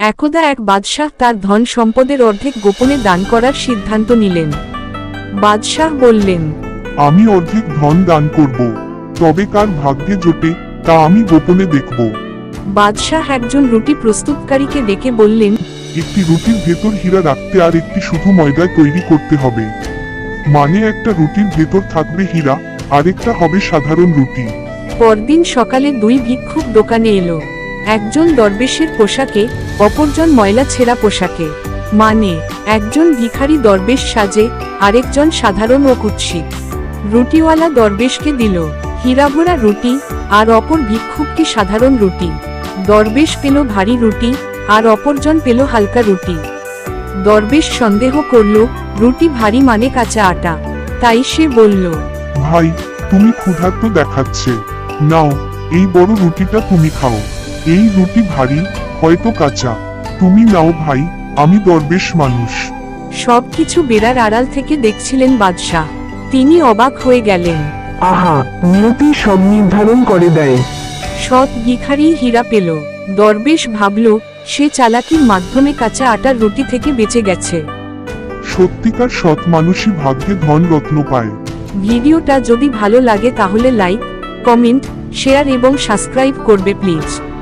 একদা এক বাদশাহ তার ধন সম্পদের অর্ধেক গোপনে দান করার সিদ্ধান্ত নিলেন। বাদশাহ বললেন, আমি অর্ধেক ধন দান করব, তবে কার ভাগ্যে জোটে তা আমি গোপনে দেখব। বাদশাহ একজন রুটি প্রস্তুতকারীকে ডেকে বললেন, একটি রুটির ভেতর হীরা রাখতে আর একটি শুধু ময়দায় তৈরি করতে হবে। মানে একটা রুটির ভেতর থাকবে হীরা, আরেকটা হবে সাধারণ রুটি। পরদিন সকালে দুই ভিক্ষুক দোকানে এলো। একজন দরবেশের পোশাকে, অপরজন ময়লা ছেঁড়া পোশাকে। মানে একজন ভিখারি দরবেশ সাজে, আরেকজন সাধারণ ও কুৎসিত। রুটিওয়ালা দরবেশকে দিল হীরাভরা রুটি, আর অপর ভিক্ষুককে সাধারণ রুটি। দরবেশ পেল ভারী রুটি, আর অপরজন পেল হালকা রুটি। দরবেশ সন্দেহ করল রুটি ভারী মানে কাঁচা আটা, তাই সে বলল, ভাই, তুমি ক্ষুধার্ত দেখাচ্ছে, নাও এই বড় রুটিটা তুমি খাও। এই রুটি ভারী, হয়তো কাঁচা, তুমি নাও ভাই, আমি দরবেশ মানুষ। সবকিছু বেড়ার আড়াল থেকে দেখছিলেন বাদশাহ। তিনি অবাক হয়ে গেলেন। আহা, নিয়তি সব নির্ধারণ করে দেয়। সৎ ভিখারি হীরা পেল। দরবেশ ভাবল সে চালাকির মাধ্যমে কাঁচা আটার রুটি থেকে বেঁচে গেছে। সত্যিকার সৎ মানুষই ভাগ্যে ধন রত্ন পায়। ভিডিওটা যদি ভালো লাগে তাহলে লাইক, কমেন্ট, শেয়ার এবং সাবস্ক্রাইব করবে প্লিজ।